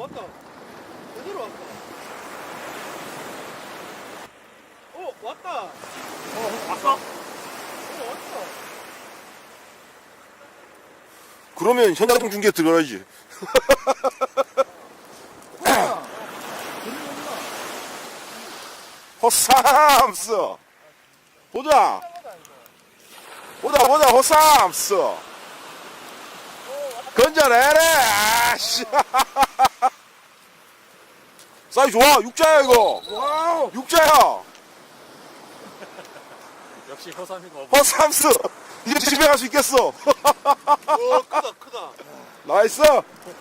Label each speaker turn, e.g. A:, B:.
A: 왔다. 제대로 왔다. 왔다.
B: 왔어?
A: 왔다.
C: 그러면 현장 중계 들어가야지. 호삼스. 보자. 보자, 호삼스. 건져내래. 아씨. 사이즈 좋아. 육자야, 이거.
B: 와우.
C: 육자야.
B: 역시 호삼이고.
C: 호삼스. 이제 집에 갈 수 있겠어.
A: 크다.
C: 나이스.